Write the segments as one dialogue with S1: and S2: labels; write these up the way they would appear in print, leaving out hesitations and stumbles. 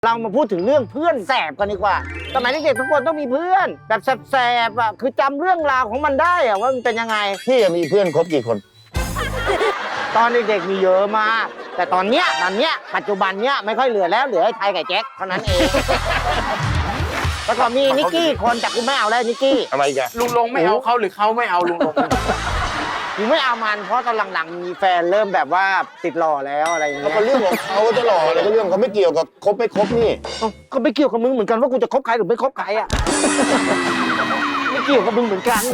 S1: เรามาพูดถึงเรื่องเพื่อนแสบกันดีกว่าสมัยเด็กๆทุกคนต้องมีเพื่อนแบบแสบๆอ่ะคือจำเรื่องราวของมันได้อ่ะว่ามันเป็นยังไง
S2: พี่มีเพื่อนคบกี่คน
S1: ตอนเด็กๆมีเยอะมากแต่ตอนเนี้ยปัจจุบันเนี้ยไม่ค่อยเหลือแล้วเหลือไอ้ไทยกับแจ็คเท่านั้นเองแล้วก็มีนิกกี้คนแต่กูไม่เอาแล้วนิกกี้
S2: ทำไมกัน
S3: ลุงลงไม่เอาเขาหรือเขาไม่เอาลุงลง
S1: กูไม่เอามันเพราะตอนหลังๆมีแฟนเริ่มแบบว่าติดหล่อแล้วอะไรอย่าง
S2: แล้
S1: เงี้
S2: วย ก็เรื่องของเขาจะหล่ออะไรก็เรื่องเขาไม่เกี่ยวกับคบไม่คบนี่
S1: เอ้าก็ไม่เกี่ยวกับมึงเหมือนกันว่ากูจะคบใครหรือไม่คบใครอ่ะ ไม่เกี่ยวกับมึงเหมือนกัน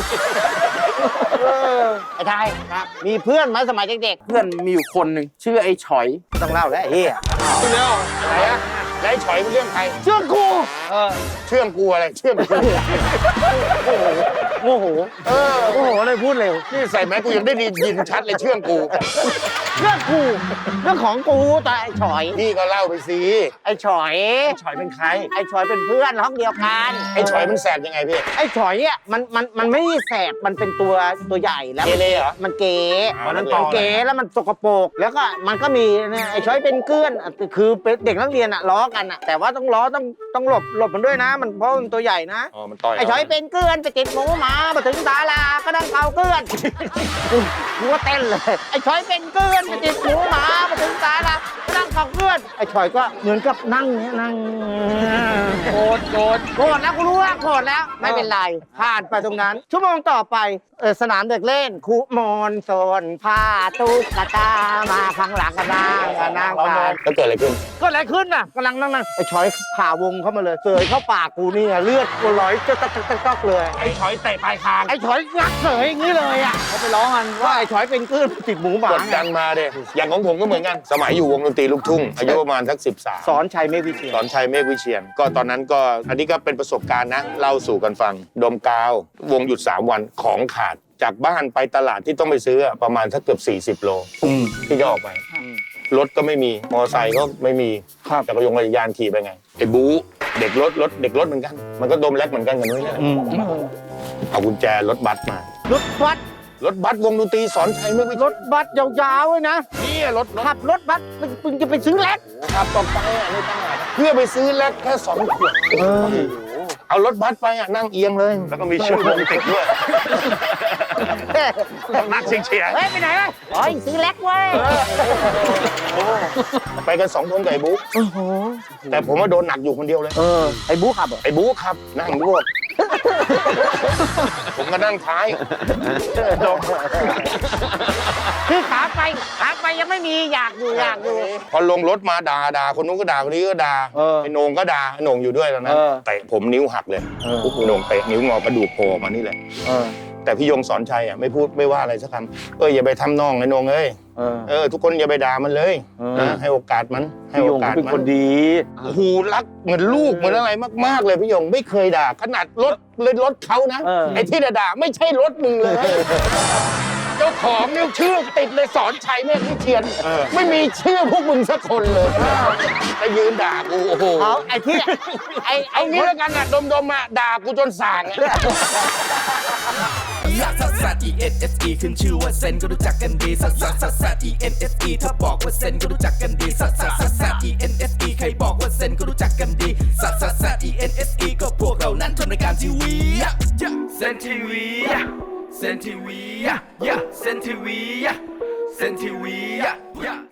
S1: ไอ้ไทยครับมีเพื่อนไหมสมัยเด็ก
S3: เพื่อนมีอยู่คนหนึ่งชื่อไอ้ฉอย
S1: ๆต้องเล่าแล้วไอ้เหี้ย
S2: เรื่องไหนอะแล้วไอ้ฉอยเป็นเรื่องใคร
S1: เชื่อกู
S2: เชื่องกูอะไรเชื่องกู
S1: โมโหโมโหเลยพูดเร็ว
S2: นี่ใส่แมสกูยังได้ยินชัดเลยเชื่องกู
S1: เรื่องกูเรื่องของกูแต่ไอ้ฉอย
S2: พี่ก็เล่าไปสิ
S1: ไอ้ฉอย
S2: ไอ้ฉอยเป็นใคร
S1: ไอ้ฉอยเป็นเพื่อนห้องเดียวกัน
S2: ไอ้ฉอยมันแสบยังไงพี่
S1: ไอ้ฉอยอ่ะมันไม่ได้แสบมันเป็นตัวใหญ่แล้ว
S2: เกเรเหรอ
S1: มันเก๋
S2: อ๋อนั่นต่
S1: มั
S2: อน เลย
S1: เก๋แล้วมันสกปรกแล้วก็มันก็มีเนี่ยไอ้ช้อยเป็นเกลื่อนคือเป็นเด็กนักเรียนอะล้อกันอะแต่ว่าต้องล้อต้องหลบมันด้วยนะ มันเพราะมันตัวใหญ่นะ
S2: อ๋อมันต่อย
S1: ไอ้ช้อยเป็นเกลื่อนไปติดหมูหมามาถึงศาลาก็นั่งเป่าเกลื่อนกูว่าเต้นเลยไอ้ช้อยเป็นเกลื่อนไปติดหมูหมามาถึงศาลาก็นั่งเป่าเกลื่อนไอ้ช้อยก็เหมือนกับนั่งเนี่ยนั่งโกรธแล้วกูรู้ว่าโกรธแล้วไม่เป็นไรผ่านไปตรงนั้น ชั่วโมงต่อไปสนามเด็กเล่นคุมอนโซนผ้าตุ๊กตามาข้างหลังกันนั่งผ่าน
S2: แล้วเกิดอะไรขึ้น
S1: ก็อะไรขึ้นน่ะกำลังนั่งไอ้ช้อยผ่าวงเข้ามาเลยเสยเข้าปากกูนี่เลือดกูไหลจ๊อกเลย
S2: ไอ้ฉอยเตะปลายคาง
S1: ไอ้ช้อยงักเสยอย่างนี้เลยอ่ะเขาไปร้องกันว่าไอ้ช้อยเป็นคลื่นติดหมูหมาก
S2: ดดันมาเด้อย่างของผมก็เหมือนกัน สมัยอยู่วงดนตรีลูกทุ่งอายุประมาณสัก13
S1: สอนชัยเมฆวิเชียร
S2: สอนชัยเมฆวิเชียรก็ตอนนั้นก็อันนี้ก็เป็นประสบการณ์นะเล่าสู่กันฟังดมกาววงหยุด3 วันของขาดจากบ้านไปตลาดที่ต้องไปซื้อประมาณสักเกือบ40 โลที่จะออกไปรถก็ไม่มีมอเตอร์ไซค์ก็ไม่มีจักรยานขี่ไปไงไอ้บู๊เด็กรถเหมือนกันมันก็ดมแลกเหมือนกันกับนุ้ยนี่แหละเอากุญแจรถบัสมาร
S1: ถบัส
S2: รถบัสวงดนตรีสอนชัยเมฆวิเชียร
S1: รถบัสยาวๆเลยนะ
S2: นี่รถ
S1: ขับรถบัสมึงจะไปซื้อแล็ก
S2: ขับต่อไปในตลาดเพื่อไปซื้อแลกแค่2 ขวดเอารถบัสไปนั่งเอียงเลยแล้วก็มีชื่อวงติดด้วยต้องนักเชียร์
S1: เฮ้ยไปไหนวะอ๋อซื้อแล็กเว้ย
S2: ไปกัน2 คนกับไอ้บุ๊กแต่ผมว่าโดนหนักอยู่คนเดียวเลย
S1: ไอ้บู๊ขับเหรอ
S2: ไอ้บุ๊กครับนั่งด้วยผมก็นั่งท้าย
S1: คือขาไปยังไม่มีอยากอยู่
S2: พอลงรถมาด่าคนนู้นก็ด่าคนนี้ก็ด่าไอ้โหน่งก็ด่าไอ้โหน่งอยู่ด้วยตอนนั้นเตะผมนิ้วหักเลยโหน่งเตะนิ้วงอกระดูกโผล่มานี่แหละแต่พี่ยงสอนชัยไม่พูดไม่ว่าอะไรสักคำอย่าไปทำน้องไอ้โหน่งเอ้ยทุกคนอย่าไปด่ามันเลยนะให้โอกาสมันให้โอกาส
S1: เป็น
S2: มัน
S1: คนดี
S2: หูรักเหมือนลูกเหมือนอะไรมากๆเลยพี่ยงไม่เคยด่าขนาดรถเขานะไอ้ที่ด่าไม่ใช่รถมึงเลยเจ้าของนิ้วชื่อติดเลยสอนชัยเมฆวิเชียรไม่มีชื่อพวกมึงสักคนเลยไปยืนด่ากูโอ้โห
S1: เขาไอ้ที่ไอ้
S2: งี้แล้วกันดมด่ากูจนส่าง
S4: ลักซัสซัส E N S E ขึ้นชื่อว่าเซนก็รู้จักกันดีซัสซัสซัสซัส E N S E ถ้าบอกว่าเซนก็รู้จักกันดีซัสซัสซัสซัส E N S E ใครบอกว่าเซนก็รู้จักกันดีซัสซัสซัส E N S E ก็พวกเรานั้นทำรายการทีวีเซนทีวีเซนทีวีเซนทีวีเซนทีวี